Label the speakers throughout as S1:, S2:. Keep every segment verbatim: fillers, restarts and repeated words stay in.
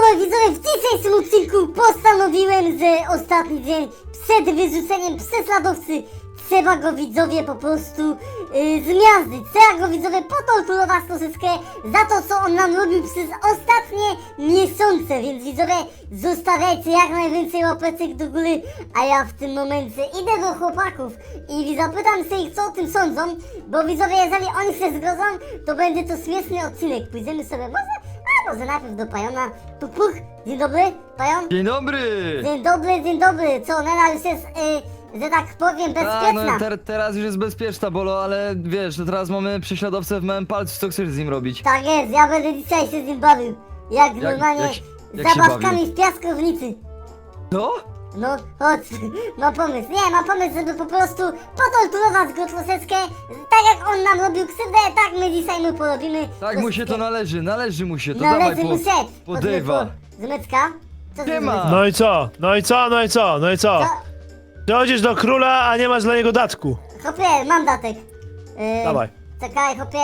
S1: moi widzowie, w dzisiejszym odcinku postanowiłem, że ostatni dzień przed wyrzuceniem prześladowcy trzeba go, widzowie, po prostu yy, zmiażdżyć. Trzeba go, widzowie, potorturować troszeczkę za to, co on nam robił przez ostatnie miesiące. Więc, widzowie, zostawiajcie jak najwięcej łapeczek do góry, a ja w tym momencie idę do chłopaków i zapytam się ich, co o tym sądzą, bo, widzowie, jeżeli oni się zgodzą, to będzie to śmieszny odcinek. Pójdziemy sobie może... A może najpierw do Pajona. Puk, puk. Dzień dobry, Pajon.
S2: Dzień dobry!
S1: Dzień dobry, dzień dobry. Co, Nela już jest, y, że tak powiem,
S2: A,
S1: bezpieczna?
S2: no ter teraz już jest bezpieczna, Bolo, ale wiesz, to teraz mamy prześladowcę w małym palcu, co chcesz z nim robić?
S1: Tak jest, ja będę dzisiaj się z nim bawił. Jak,
S2: Jak-
S1: normalnie
S2: jak się- jak się
S1: zabawkami
S2: bawił?
S1: w piaskownicy.
S2: No?
S1: No, chodź, mam pomysł. Nie, mam pomysł, żeby po prostu potorturować go troszeczkę. Tak jak on nam robił krzywdę, tak my dzisiaj mu porobimy.
S2: Tak mu się to
S1: troszeczkę.
S2: należy, należy mu się to,
S1: Należy
S2: dawaj
S1: mu
S2: po,
S1: się.
S2: podejwa.
S1: Zmycka? Co
S2: Nie
S1: za
S2: ma.
S1: zmycka?
S3: No i co? No i co? No i co? No i co?
S1: Co?
S3: Dochodzisz do króla, a nie masz dla niego datku.
S1: Hopie, mam datek. Yy,
S3: Dawaj.
S1: Czekaj, hopie.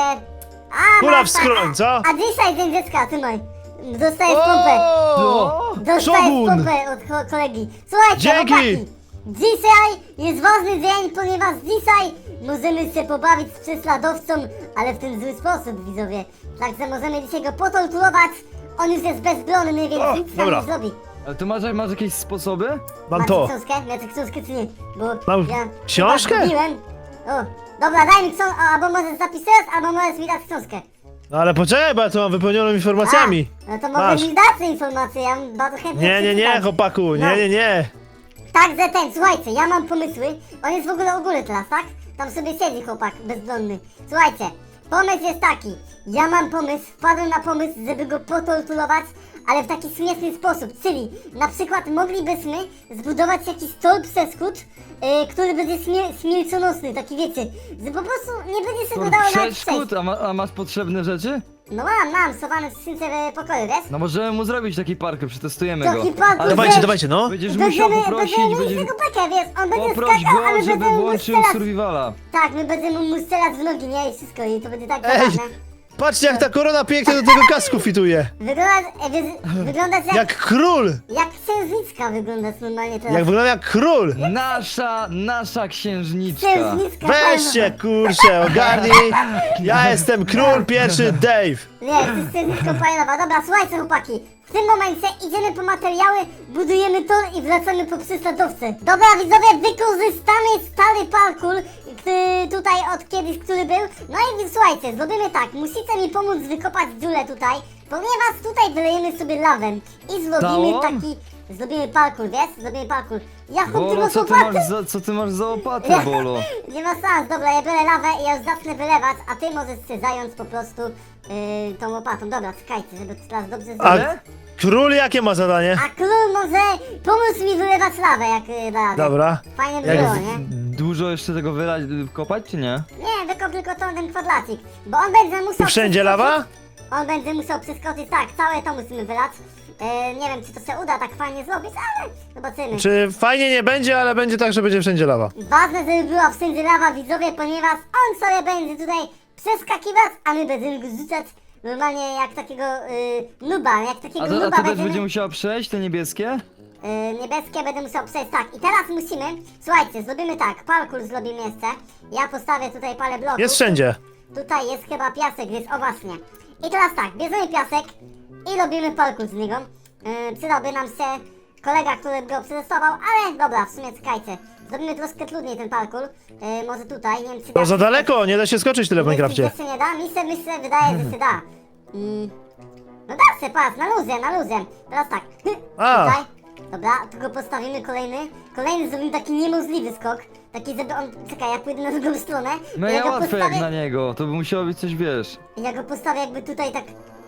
S1: A,
S3: Kula
S1: masz
S3: w skroń,
S1: tak,
S3: co?
S1: A, a dzisiaj dzień dziecka, trzymaj. Dostajesz pompę.
S2: O!
S1: Dostajesz
S3: Szogun!
S1: pompę od ko kolegi. Słuchajcie,
S3: Dzięki!
S1: chłopaki. Dzisiaj jest ważny dzień, ponieważ dzisiaj możemy się pobawić z prześladowcą, ale w ten zły sposób, widzowie. Także możemy dzisiaj go potorturować. On już jest bezbronny, więc
S3: O,
S1: nic nam
S3: dobra.
S1: nie zrobi.
S2: Ale to masz, masz jakieś sposoby?
S3: Mam
S1: Macie
S3: to.
S1: książkę? Macie książkę czy nie? Bo
S3: Mam
S1: ja
S3: książkę?
S1: chyba zgubiłem. O, dobra, daj mi książkę, albo możesz zapisać, albo możesz mi dać książkę.
S3: No ale poczekaj, bo ja tu mam wypełnioną informacjami.
S1: A, no to mogę
S3: Masz.
S1: mi dać te informacje, ja bym bardzo chętnie
S3: Nie, nie, nie,
S1: przeczytał.
S3: chłopaku,
S1: No.
S3: nie, nie, nie.
S1: Także ten, słuchajcie, ja mam pomysły. On jest w ogóle u góry teraz, tak? Tam sobie siedzi chłopak bezbronny. Słuchajcie, pomysł jest taki. Ja mam pomysł, wpadłem na pomysł, żeby go potorturować, ale w taki śmieszny sposób. Czyli na przykład moglibyśmy zbudować jakiś stolp przeszkód, yy, który będzie śmie śmiercionośny, taki wiecie, że po prostu nie będzie się go dało nawet przejść.
S2: Przeszkód? A, ma, a masz potrzebne rzeczy?
S1: No mam, mam, schowany w skrzynce w pokoju, wiesz?
S2: No możemy mu zrobić taki parkę, przetestujemy go.
S1: Taki parkour,
S2: Ale
S3: Dawajcie,
S1: że-
S3: dawajcie, no.
S2: Będziesz musiał
S1: Będziemy,
S2: poprosić,
S1: będziemy mieć
S2: będziesz...
S1: tego bekę, wiesz, on będzie
S2: Poproś
S1: skakał, ale
S2: go, żeby
S1: będziemy mu
S2: włączył
S1: strzelać.
S2: survivala.
S1: Tak, my będziemy mu strzelać w nogi, nie? I wszystko, i to będzie tak
S3: Ej,
S1: zabawne.
S3: patrzcie jak ta korona pięknie do tego kasku fituje.
S1: Wygląda, e, wy, wyglądać jak, jak...
S3: Jak król.
S1: księżniczka wyglądasz normalnie teraz.
S3: Jak wygląda jak król.
S2: Nasza, nasza księżniczka.
S1: Księżniczka
S3: Weźcie, kurczę, ogarnij. Ja jestem król pierwszy, Dave.
S1: Nie, to jest księżniczka fajnowa. Dobra, słuchajcie chłopaki. W tym momencie idziemy po materiały, budujemy tor i wracamy po prześladowcę. Dobra widzowie, wykorzystamy stary parkour, który tutaj od kiedyś, który był. No i słuchajcie, zrobimy tak, musicie mi pomóc wykopać dziurę tutaj, ponieważ tutaj wylejemy sobie lawę i zrobimy
S2: Całą?
S1: taki... Zrobimy parkour, wiesz? Zrobimy parkour. Ja chłop, ty
S2: Bolo,
S1: masz
S2: co ty
S1: łopatę?
S2: masz za, co ty masz za łopatę, Bolo?
S1: Nie ma szans, dobra, ja biorę lawę i ja już zacznę wylewać, a ty możesz się zająć po prostu yy, tą łopatą. Dobra, czekajcie, żeby to teraz dobrze
S3: A
S1: zrobić.
S2: Ale?
S3: król jakie ma zadanie?
S1: A król może pomóc mi wylewać lawę, jak yy, da radę.
S3: Dobra.
S1: Fajnie by
S3: Jak
S1: było,
S3: w-
S1: nie?
S2: Dużo jeszcze tego wylać, kopać, czy nie?
S1: Nie, wykop tylko tą, ten kwadracik, bo on będzie musiał...
S3: I wszędzie
S1: przeskoczyć-
S3: lawa?
S1: On będzie musiał przeskoczyć, tak, całe to musimy wylać. Yy, nie wiem, czy to się uda tak fajnie zrobić, ale zobaczymy.
S3: Czy fajnie nie będzie, ale będzie tak, że będzie wszędzie lawa.
S1: Ważne, żeby była wszędzie lawa, widzowie, ponieważ on sobie będzie tutaj przeskakiwać, a my będziemy go rzucać normalnie jak takiego yy, nuba, jak takiego
S2: A to, a
S1: nuba
S2: to też
S1: będziemy...
S2: będzie musiała przejść, te niebieskie?
S1: Yy, niebieskie będę musiał przejść, tak. I teraz musimy, słuchajcie, zrobimy tak, parkour zrobimy jeszcze. Ja postawię tutaj parę bloków.
S3: Jest wszędzie.
S1: Tutaj jest chyba piasek, więc o właśnie. I teraz tak, bierzemy piasek i robimy parkour z niego. Yy, przydałby nam się kolega, który go przetestował, ale dobra, w sumie czekajcie. Zrobimy troszkę trudniej ten parkour. Yy, może tutaj, nie wiem czy...
S3: To
S1: da
S3: za
S1: się-
S3: daleko, nie da się skoczyć tyle w
S1: Myślisz,
S3: Minecrafcie.
S1: że się nie da? Mi się, mi się wydaje, że się da. Mm. No da się, patrz, na luzie, na luzie. Teraz tak.
S3: A.
S1: Tutaj. Dobra, tu go postawimy kolejny. Kolejny zrobimy taki niemożliwy skok. Taki, żeby on... Czekaj, ja pójdę na drugą stronę.
S2: No
S1: ja
S2: ja
S1: go
S2: łatwe jak
S1: postawię...
S2: na niego, to by musiało być coś, wiesz.
S1: Ja go postawię jakby tutaj tak...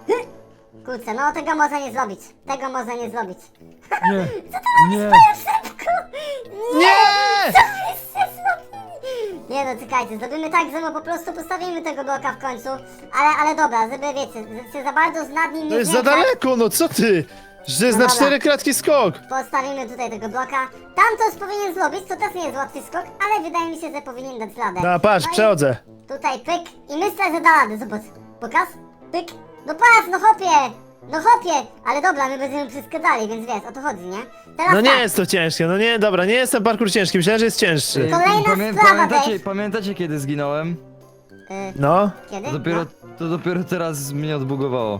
S1: Kurczę, no tego można nie zrobić. Tego można nie zrobić.
S2: Nie, nie.
S1: Szybko!
S3: Nie!
S1: Co byście zrobili? Nie no, czekajcie, zrobimy tak, że no po prostu postawimy tego bloka w końcu. Ale, ale dobra, żeby wiecie, że się za bardzo z nad nim nie
S3: To jest za
S1: znęcać.
S3: daleko, no co ty? Że to jest
S1: No
S3: na
S1: dobra.
S3: cztery kratki skok.
S1: Postawimy tutaj tego bloka. Tam to powinien zrobić, to też nie jest łatwy skok, ale wydaje mi się, że powinien dać radę.
S3: No patrz,
S1: No i
S3: przechodzę.
S1: Tutaj pyk i myślę, że da radę, zobacz. Pokaz? Pyk. No patrz, no hopie! No chłopie, ale dobra, my będziemy przeskadali, więc wiesz, o to chodzi, nie? Teraz
S3: No nie
S1: tak,
S3: jest to ciężkie, no nie, dobra, nie jestem parkour ciężki, myślałem, że jest cięższy.
S2: Ej,
S1: Kolejna
S2: pamię
S1: sprawa,
S2: pamiętacie,
S1: Dave.
S2: pamiętacie kiedy zginąłem?
S1: y,
S3: No.
S1: kiedy?
S2: To dopiero,
S1: No.
S2: to dopiero teraz mnie odbugowało.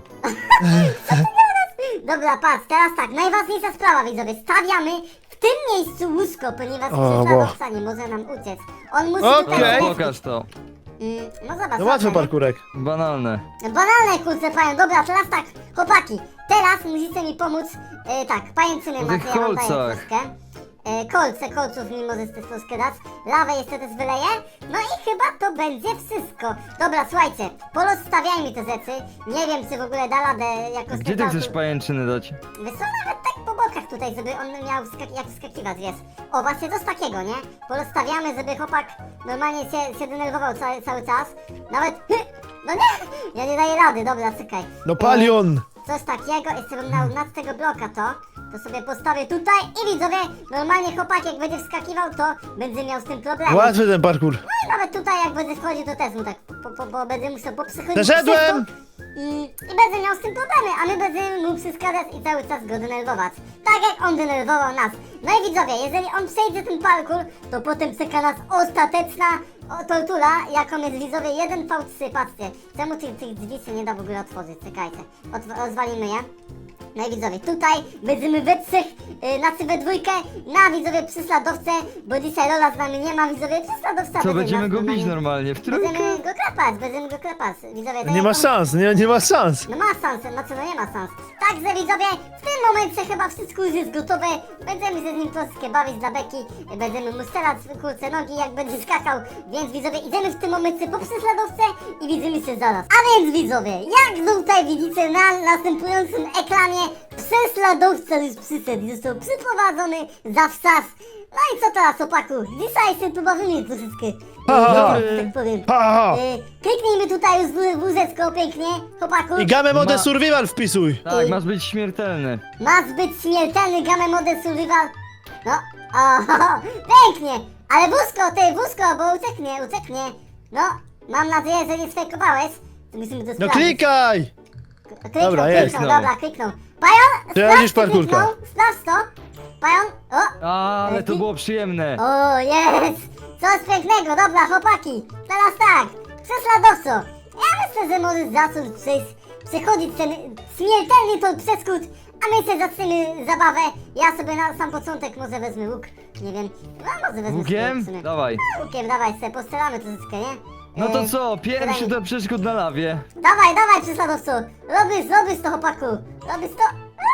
S1: Dobra, patrz, teraz tak, najważniejsza sprawa, widzowie, stawiamy w tym miejscu łóżko, ponieważ
S3: O,
S1: prześladowca nie może nam uciec. On musi
S3: Okej.
S1: tutaj...
S2: Dobra,
S1: Okay.
S2: pokaż to.
S1: Mm, no zobacz,
S3: No łatwy
S1: zobacz,
S3: parkurek.
S2: Banalne.
S1: banalne kurczę, panią, dobra, teraz tak, chłopaki, teraz musicie mi pomóc, e, tak, pajęczyny
S2: O
S1: macie,
S2: tych
S1: ja wam daję
S2: kolcach.
S1: troszkę. E, kolce, kolców mi możesz też troszkę dać, lawę jeszcze też wyleję, no i chyba to będzie wszystko. Dobra, słuchajcie, porozstawiajmy te rzeczy, nie wiem czy w ogóle da radę jakoś...
S2: Gdzie ty
S1: ten
S2: chcesz
S1: parkour-
S2: pajęczyny dać?
S1: Wiesz co, nawet tak po bokach tutaj, żeby on miał skak- jak wskakiwać, wiesz. O, właśnie coś takiego, nie? Porozstawiamy, żeby chłopak normalnie się, się denerwował cały, cały czas. Nawet... No nie! Ja nie daję rady, dobra, czekaj.
S3: No palion!
S1: E, coś takiego, jeszcze bym dał nad tego bloka to, to sobie postawię tutaj i widzowie, normalnie chłopak jak będzie wskakiwał, to będzie miał z tym problem.
S3: Łatwy ten parkour.
S1: No i nawet tutaj jak będzie wchodził, to też mu tak, po, po, bo będę musiał poprzechodzić
S3: Zeszedłem!
S1: wszystko I, I będę miał z tym problemy, a my będziemy mu przeszkadzać i cały czas go denerwować. Tak jak on denerwował nas. No i widzowie, jeżeli on przejdzie ten parkour, to potem czeka nas ostateczna o, tortura, jaką jest widzowie jeden V trzy, patrzcie. Czemu tych, tych drzwi się nie da w ogóle otworzyć? Czekajcie, Otw rozwalimy je. No i widzowie, tutaj będziemy we trzech, yy, znaczy we dwójkę, na widzowie prześladowcę, bo dzisiaj Lola z nami nie ma, widzowie prześladowca.
S2: Co,
S1: będzie
S2: będziemy
S1: nas
S2: go bić
S1: normalnie-
S2: normalnie w trójkę?
S1: Będziemy go klepać, będziemy go klepać, widzowie. tak
S3: Nie
S1: jak
S3: ma
S1: on-
S3: szans, nie, nie ma szans.
S1: No ma szansę, no co, no nie ma szans. Także widzowie, w tym momencie chyba wszystko już jest gotowe. Będziemy się z nim troszkę bawić dla beki. Będziemy mu strzelać w kurce nogi, jak będzie skakał. Więc widzowie, idziemy w tym momencie po prześladowcę i widzimy się zaraz. A więc widzowie, jak tutaj widzicie na następującym ekranie, prześladowca już przyszedł, został przyprowadzony za wsas. No i co teraz, opaku? Dzisiaj się tu bawimy troszeczkę.
S3: Ha, ha, ha.
S1: No, tak powiem.
S3: Ha, ha, ha.
S1: Y, kliknijmy tutaj już w wózeczko pięknie, chłopaku.
S3: I gamę mode
S2: Ma-
S3: survival wpisuj.
S2: Tak, masz być śmiertelny.
S1: Ma zbyt śmiertelny gamę mode survival. No, o, pięknie. Ale wózko, ty, wózko, bo ucieknie, ucieknie. No, mam nadzieję, że nie sfejkowałeś. To musimy to
S3: No
S1: sprawdzić.
S3: klikaj!
S1: Kliknął,
S3: Dobra, jest,
S1: kliknął,
S2: no.
S1: dobra, kliknął. Pajon,
S3: Przechodzisz
S1: sprawdź, czy
S3: parkurka.
S1: kliknął, sprawdź to. Pajon, o,
S2: Ale to było przyjemne.
S1: o, jest! Coś pięknego, dobra, chłopaki. Teraz tak, prześladowco. Ja myślę, że możesz zacząć przejść, przechodzić ten śmiertelny tą przeskód, a my sobie zaczniemy zabawę. Ja sobie na sam początek może wezmę łuk, nie wiem. No może wezmę
S2: Łukiem?
S1: sobie w sumie.
S2: Dawaj.
S1: Łukiem, dawaj sobie, postrzelamy troszeczkę, nie?
S2: No to
S1: E,
S2: co, pierwszy
S1: dawaj.
S2: do przeszkód na lawie.
S1: Dawaj, dawaj, prześladowco. Robisz, robisz to, chłopaku. Robisz to.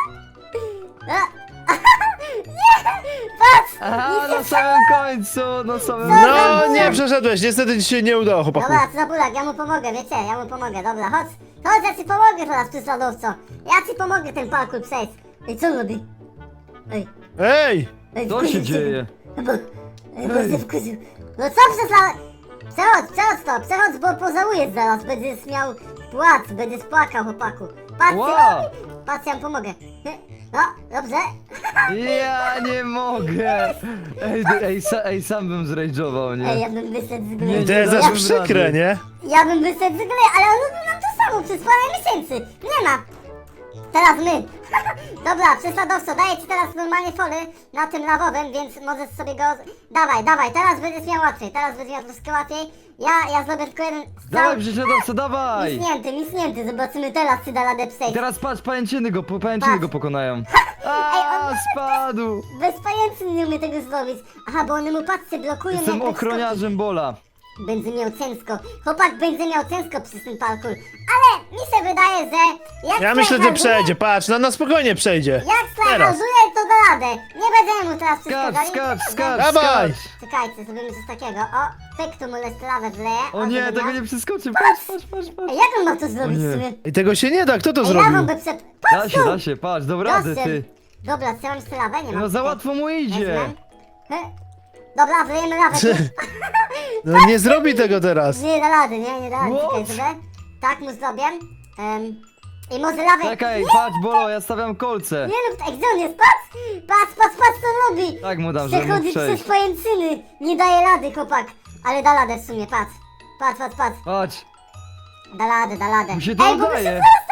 S1: A. Nie! Patrz!
S2: Aha,
S1: nic nie
S2: na samym końcu, na samym
S3: No nie przeszedłeś, niestety ci się nie udało, chłopaku.
S1: Dobra, co za bulak, ja mu pomogę, wiecie, ja mu pomogę, dobra, chodź, chodź, ja ci pomogę teraz, prześladowco, ja ci pomogę ten parkour przejść. Ej, co on robi? Ej,
S3: Ej!
S1: ej,
S2: Co
S1: wkurzył
S2: się dzieje?
S1: Bo, ej, bo się wkurzył. No co prześlad... Przechodź, przechodź to, przechodź, bo pożałujesz zaraz, będziesz miał płacz, będziesz płakał, chłopaku. Patrz,
S2: Wow.
S1: co robi? Patrz, ja mu pomogę. No, dobrze.
S2: Ja nie mogę. Ej, ej, sa, ej sam bym zrajdżował,
S1: Ej,
S2: nie?
S1: ja bym wyszedł z
S2: Nie,
S1: gry.
S3: To jest
S2: nie
S3: aż
S2: dam
S3: przykre,
S2: rady.
S3: nie?
S1: Ja bym wyszedł z gry, ale on robił nam to samo przez parę miesięcy. Nie ma. Teraz my. Dobra, prześladowco, daję ci teraz normalnie fory na tym lawowym, więc możesz sobie go... Dawaj, dawaj, teraz będziesz miał łatwiej, teraz będziesz miał troszkę łatwiej. Ja, ja zrobię tylko jeden strzał.
S2: Dawaj, prześladowco, dawaj!
S1: Misnięty, misnięty, zobaczymy teraz, czy da radę przejść.
S2: Teraz patrz, pajęczyny go, po- pajęczyny
S1: Patrz.
S2: go pokonają.
S1: Ej,
S2: A,
S1: on-
S2: spadł!
S1: Bez pajęczyn nie umie tego zrobić. Aha, bo one mu patrzcie, blokują
S2: Jestem
S1: jak tak
S2: ochroniarzem Bola.
S1: skoczy. Będzie miał ciężko. Chłopak będzie miał ciężko przez ten parkour. Ale mi się wydaje, że jak
S3: Ja myślę, że
S1: tryharduje-
S3: przejdzie, patrz, no na spokojnie przejdzie.
S1: Jak
S3: Teraz.
S1: strajharduje, to da radę. Nie będziemy mu teraz
S2: Skacz,
S1: przeszkadzali.
S2: skacz, skacz,
S3: Dawaj.
S2: skacz!
S1: Czekajcie, zrobimy coś takiego. O, pyk, tu mu lawę wleję.
S2: O nie,
S1: żeby
S2: tego
S1: miał-
S2: nie przeskoczy, patrz, patrz, patrz, patrz.
S1: Ej, jak on ma to zrobić
S2: O nie.
S1: w sumie?
S3: I tego się nie da, kto to
S1: Ej,
S3: zrobił?
S1: lawą by przep...
S2: Da
S1: Patrz
S2: się,
S1: tu!
S2: da się, patrz, do rady,
S1: Gościem.
S2: ty.
S1: Dobra, strzelam jeszcze lawę, nie mam.
S2: No za
S1: tutaj.
S2: łatwo mu idzie.
S1: Wezmę. He. Dobra, wlejemy lawę tu.
S3: No nie zrobi tego teraz.
S1: Nie da rady, nie, nie da rady.
S2: What?
S1: Czekaj sobie. Tak mu zrobię. Um, I może lawę...
S2: Czekaj,
S1: Nie,
S2: patrz, Bolo, ja stawiam kolce.
S1: nie lub tak, gdzie on jest? Patrz! Patrz, patrz, patrz co on robi!
S2: Tak mu dam, żeby mógł
S1: Przechodzi przez
S2: przejść.
S1: pajęczyny. Nie daje rady, chłopak. Ale da radę w sumie, patrz. Patrz, patrz, patrz.
S2: Patrz,
S1: Da radę, da radę.
S2: mu się to
S1: Ej, bo my się
S2: udaje.
S1: zaraz staniemy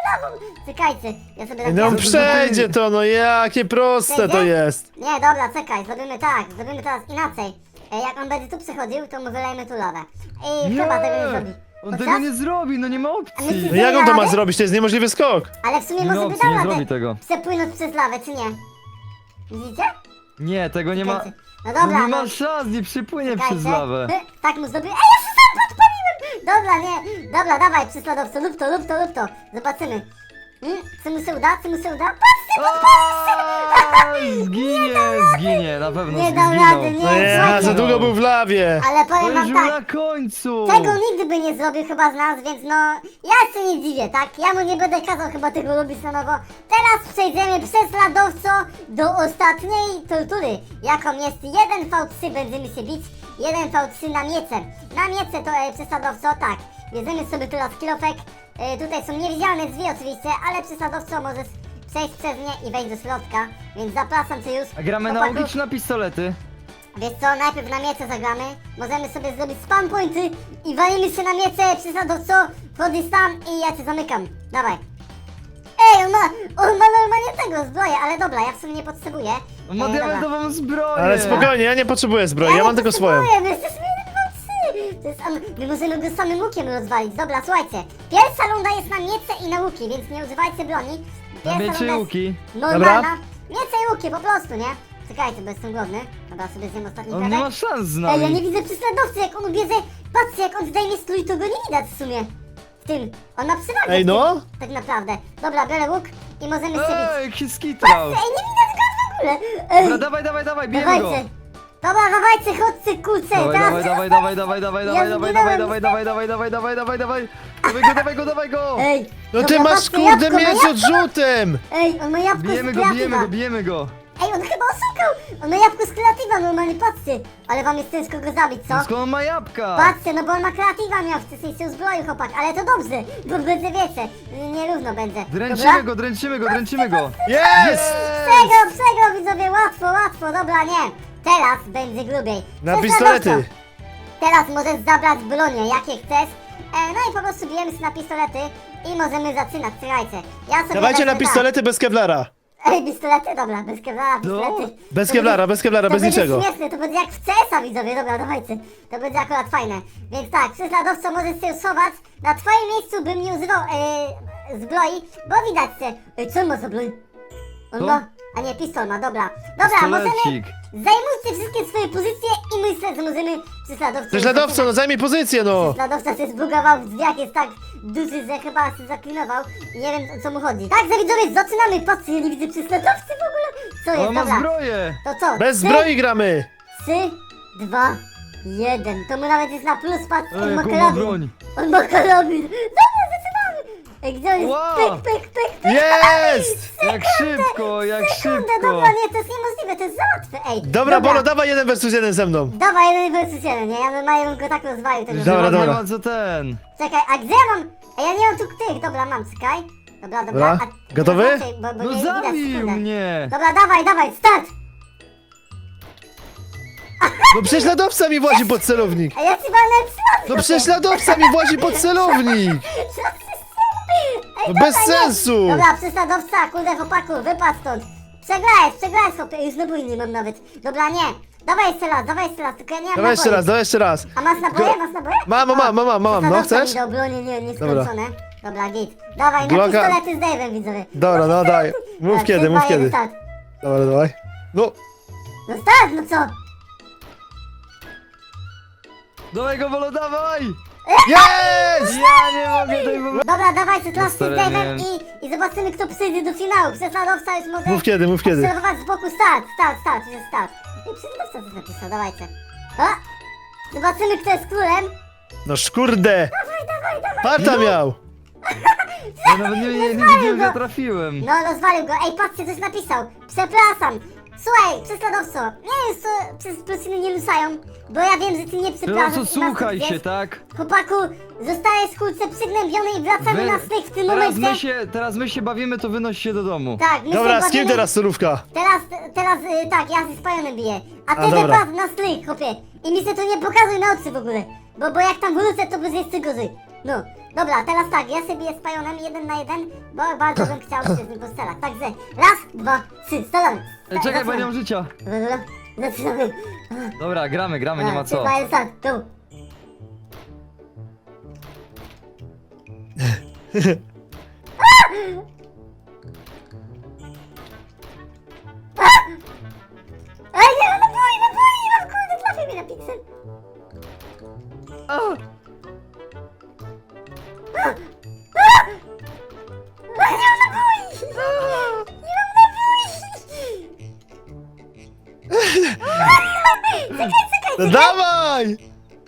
S1: lawą. Czekajcie, ja sobie tak...
S3: No
S1: ja-
S3: przejdzie to, no jakie proste to jest.
S1: Nie, dobra, czekaj, zrobimy tak, zrobimy teraz inaczej. E, jak on będzie tu przychodził, to mu wylejmy tu lawę. I
S2: Nie!
S1: chyba tego nie zrobi.
S2: On
S1: Bo
S2: tego
S1: co?
S2: nie zrobi, no nie ma
S1: A
S2: opcji.
S1: myślisz,
S3: No jak on to ma
S1: Ale-
S3: zrobić? To jest niemożliwy skok.
S1: Ale w sumie
S2: Nie
S1: może
S2: ma
S1: by
S2: opcji,
S1: dał
S2: nie
S1: radę
S2: zrobi tego.
S1: przepłynąć przez lawę, czy nie? Widzicie?
S2: Nie, tego nie ma...
S1: Czekajcie. No
S2: No
S1: dobra,
S2: nie
S1: no.
S2: ma szans, nie przypłynie
S1: Czekajcie.
S2: przez lawę.
S1: Hy, Tak mu zrobię. Ej, ja się sam podpaliłem! Dobra, nie. Dobra, dawaj, prześladowco, lub to, lub to, lub to. Zobaczymy. Hmm? Co mu się uda? Co mu się uda? Patrzcie,
S2: Aaa, Zginie, zginie, na pewno
S1: Nie dał
S2: zginął.
S1: rady, nie.
S3: No ja,
S1: słuchajcie.
S3: za długo był w lawie.
S1: ale
S2: To
S1: powiem
S2: już
S1: wam
S2: był
S1: tak.
S2: na końcu.
S1: Tego nigdy by nie zrobił chyba z nas, więc no, ja się nie dziwię, tak? Ja mu nie będę kazał chyba tego robić na nowo. Teraz przejdziemy prześladowco do ostatniej tortury, jaką jest jeden V trzy, będziemy się bić, jeden V trzy na miece. Na miece to e, prześladowco, tak. Bierzemy sobie teraz kilofek, e, tutaj są niewidzialne drzwi oczywiście, ale prześladowco możesz przejść przez nie i wejść do środka, więc zapraszam cię już.
S2: A gramy na
S1: chłopaku.
S2: łuki czy na pistolety?
S1: Wiesz co, najpierw na miece zagramy, możemy sobie zrobić spam pointy i walimy się na miece, przesadowco, wchodzisz tam i ja cię zamykam. Dawaj. Ej, on ma, on ma normalnie tego zbroję, ale dobra, ja w sumie nie potrzebuję.
S2: On ma
S1: Ej, dobra.
S2: diamentową zbroję.
S3: Ale spokojnie, ja nie potrzebuję zbroi, ja
S1: nie
S3: mam tylko swoją.
S1: potrzebuję, my jesteśmy jeden, dwa, trzy. To jest, am- my możemy go samym łukiem rozwalić. Dobra, słuchajcie, pierwsza runda jest na miece i na łuki, więc nie używajcie broni.
S2: Na
S1: Pierwsza
S2: miecie
S1: runda
S2: i
S1: jest
S2: łuki.
S1: Normalna. Miece i łuki, po prostu, nie? Czekajcie, bo jestem głodny. Dobra, sobie zjem ostatni
S2: On nie
S1: kawałek.
S2: ma szans z
S1: Ej, ja nie
S2: nami.
S1: widzę prześladowcy, jak on bierze. Patrzcie, jak on zdejmie strój, to go nie widać w sumie. W tym. On ma przewagę.
S3: Ej,
S1: w tym,
S3: no.
S1: Tak naprawdę. Dobra, biorę łuk i możemy się bić.
S2: Ej, jaki skitrał.
S1: Ej, nie widać go w ogóle. Ej,
S2: Dobra, dawaj, dawaj, dawaj, bijemy go.
S1: dawajcie. Dobra, dawajcie, chodźcie, kurczę.
S2: Dawaj,
S1: teraz...
S2: dawaj, dawaj, dawaj, dawaj, dawaj,
S1: Ja
S2: dawaj,
S1: zginąłem.
S2: dawaj, dawaj, dawaj, dawaj, dawaj, dawaj, dawaj, dawaj, dawaj go, dawaj go, dawaj go.
S1: Ej.
S3: No
S1: dobra,
S3: ty masz
S1: patrzcie,
S3: kurde
S1: jabłko, ma
S3: miecz
S1: jabłko.
S3: odrzutem.
S1: Ej, on ma jabłko
S2: Bijemy
S1: z
S2: go, bijemy
S1: kreatywa.
S2: go, bijemy go.
S1: Ej, on chyba oszukał. On ma jabłko z kreatywa, normalnie, patrzcie. Ale wam jest ciężko go zabić, co?
S2: No skąd on ma jabłka?
S1: Patrzcie, no bo on ma kreatywa miał, wcześniej się uzbroił chłopak, ale to dobrze, bo będzie wiecie, nierówno będzie.
S2: Dręczymy go, dręczymy go, dręczymy go.
S3: Jest!
S1: Przego, przego widzowie, łatwo, łatwo, dobra, nie. Teraz będzie grubiej.
S3: Na
S1: Prześladowco.
S3: pistolety.
S1: Teraz możesz zabrać bronie, jakie chcesz. E, no i po prostu bijemy się na pistolety i możemy zaczynać, słuchajcie. Ja sobie
S3: Dawajcie
S1: wezmę
S3: na pistolety bez kevlara.
S1: Tak. Ej, pistolety, dobra, bez kevlara, pistolety.
S3: Bez
S1: To
S3: kevlara,
S1: będzie-
S3: bez kevlara,
S1: to
S3: bez
S1: będzie
S3: niczego.
S1: śmieszne, to będzie jak w C S a widzowie, dobra, dawajcie. To będzie akurat fajne. Więc tak, prześladowco możesz się schować. Na twoim miejscu bym nie używał e, zbroi, bo widać się. Ej, co on ma za broń? On
S2: Co?
S1: ma... A nie, pistol ma, dobra. Dobra, możemy...
S2: Pistolecik.
S1: Zajmujcie wszystkie swoje pozycje i myślę, że możemy prześladowcę...
S3: Prześladowco, no zajmij pozycję, no.
S1: Prześladowca się zbugował w drzwiach, jest tak duży, że chyba się zaklinował i nie wiem o co mu chodzi. Tak, za widzowie, zaczynamy! Patrzcie, ja nie widzę prześladowcy w ogóle! Co jest,
S2: On ma
S1: dobra.
S2: zbroję.
S1: To co?
S3: Bez
S1: Trzy,
S3: zbroi gramy.
S1: Trzy, dwa, jeden. To mu nawet jest na plus, patrz,
S2: Ej,
S1: on ma
S2: jaką ma
S1: karabin.
S2: broń.
S1: On ma karabin. Dobra, zaczynamy! Ej, gdzie on jest?
S2: Wow.
S1: Pyk, pyk, pyk, pyk.
S3: Jest!
S2: Jak szybko, jak
S1: Sekundę,
S2: szybko.
S1: dobra, nie, to jest niemożliwe, to jest za łatwe, ej.
S3: Dobra, Bolo, dawaj jeden versus jeden ze mną.
S1: Dawaj, jeden versus jeden, nie? Ja normalnie go tak rozwalił tego.
S3: Dobra,
S2: Nie ma-
S3: dobra.
S2: Nie ma co ten.
S1: Czekaj, a gdzie ja mam? A ja nie mam tu tych, dobra, mam, czekaj. Dobra, dobra.
S3: Dobra.
S1: A,
S3: Gotowy?
S1: no raczej, Bo, bo
S2: No
S1: nie widać,
S2: zabił
S1: sekundę.
S2: mnie.
S1: Dobra, dawaj, dawaj, start!
S3: No prześladowca mi włazi pod celownik.
S1: A ja ci walnę w
S3: No prześladowca mi włazi pod celownik. No bez sensu.
S1: Dobra, prześladowca, kurde chłopaku, wypadł stąd. Przegrałeś, przegrałeś chłopie, już naboju nie mam nawet. Dobra, nie. Dawaj jeszcze raz, dawaj jeszcze raz, tylko ja nie mam
S3: Dawaj jeszcze
S1: naboi.
S3: raz, dawaj jeszcze raz.
S1: A masz naboje,
S3: Go-
S1: masz naboje?
S3: Mam, mam,
S1: O,
S3: mam, mam, mam, no
S1: prześladowca
S3: chcesz?
S1: mi dał bronie, nie, nie
S3: Dobra.
S1: skończone. Dobra, git. Dawaj, na
S3: Glocka-
S1: pistolety z Dave'em, widzowie.
S3: Dobra, no daj. Mów
S1: Dobra,
S3: kiedy,
S1: trzy,
S3: mów
S1: dwa, jeden,
S3: kiedy.
S1: start.
S3: Dobra, dawaj. No,
S1: No start, no co?
S2: Dawaj go, Bolo, dawaj.
S3: jest!
S2: Ja nie mogę tej bo...
S1: Dobra, dawajcie teraz z
S2: stary,
S1: Dave'em
S2: nie.
S1: i, i zobaczymy, kto przyjdzie do finału. Prześladowca już może
S3: Mów kiedy, mów kiedy.
S1: obserwować z boku. Start, start, start, już jest start. I prześladowca coś napisał, dawajcie. A! Zobaczymy, kto jest królem.
S3: No szkurde. Parta miał.
S2: Ja nawet nie, nie, nie widziałem, że ja trafiłem.
S1: No, rozwalił go. Ej, patrzcie, coś napisał. Przepraszam. Słuchaj, prześladowco, nie jest to przez prosiny nie lusają, bo ja wiem, że ty nie
S2: No
S1: przepraszasz.
S2: co,
S1: i nas
S2: słuchaj
S1: wiesz.
S2: się, tak?
S1: Chłopaku, zostajesz w kulce przygnębiony i wracamy
S2: Wy-
S1: na styk w tym
S2: Teraz
S1: momencie.
S2: my się, teraz my się bawimy, to wynoś się do domu.
S1: Tak, my
S3: Dobra,
S1: się
S3: z kim
S1: bawimy-
S3: teraz solówka?
S1: Teraz, teraz, y, tak, ja ze spajonem biję. A ty
S3: A, dobra.
S1: wypadł na styk, chłopie. I mi się to nie pokazuj na oczy w ogóle. Bo, bo jak tam wrócę, to będzie jeszcze gorzej. No, Dobra, teraz tak, ja sobie z Pajonem jeden na jeden, bo bardzo bym chciał się z nim postrzelać. Także raz, dwa, trzy, strzelamy.
S2: Ej, czekaj, bo nie mam życia.
S1: Dobra, dobra, zaczynamy.
S2: Dobra, gramy, gramy, nie ma
S1: trzy,
S2: co.
S1: dwa, jeden, start, go. Ej, nie mam naboi, naboi, nie mam, kurde, trafię mnie na piksel.
S2: A!
S1: Ej, nie mam naboi! Nie mam naboi! Czekaj, czekaj,
S3: No
S1: czekaj!
S3: dawaj!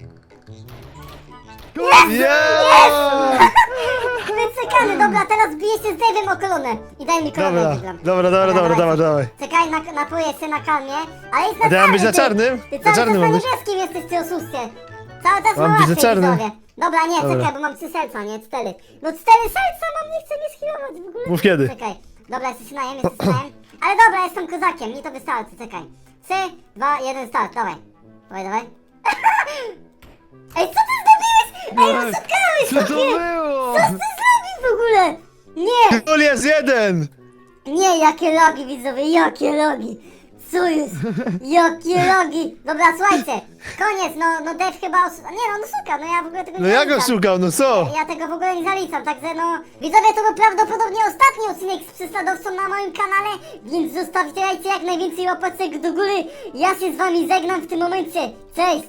S3: Yeah!
S1: Wycekany, dobra, teraz biję się z Dave'em o kolonę. I daj mi kolonę,
S3: Dobra,
S1: wygram.
S3: dobra, dobra, dobra, dobra, dawaj.
S1: Czekaj, na, napoję się na kalmie, ale jest na
S3: A ty mam być na
S1: ty.
S3: czarnym?
S1: Ty
S3: Na
S1: cały
S3: czarnym
S1: czas na
S3: mam być?
S1: niebieskim jesteś, ty oszustie. Cały czas
S3: Mam
S1: ma
S3: być na
S1: łatwiej,
S3: czarnym.
S1: widzowie. Dobra, nie,
S3: Dobra.
S1: czekaj, bo mam trzy serca, nie, cztery. No cztery serca mam, nie chcę mnie schilować w ogóle.
S3: Mów kiedy.
S1: Czekaj, dobra, jesteś najem, jesteś najem. Ale dobra, jestem kozakiem, mi to wystarczy, czekaj. Trzy, dwa, jeden, start, dawaj. Dawaj, dawaj. Ej, co ty zrobiłeś? Ej,
S2: No,
S1: oszukałeś,
S2: Co to
S1: chłopie.
S2: było?
S1: Co ty zrobił w ogóle? Nie,
S3: Gol jest jeden!
S1: nie, jakie logi, widzowie, jakie logi. Co jest? Jakie logi. Dobra, słuchajcie, koniec, no, no Dave chyba os... Nie no, no suka, no ja w ogóle tego nie
S3: No ja go
S1: zaliczam.
S3: szukał, no co?
S1: Ja tego w ogóle nie zaliczam, także no... Widzowie, to był prawdopodobnie ostatni odcinek z prześladowcą na moim kanale, więc zostawcie jak najwięcej łapeczek do góry. Ja się z wami żegnam w tym momencie. Cześć!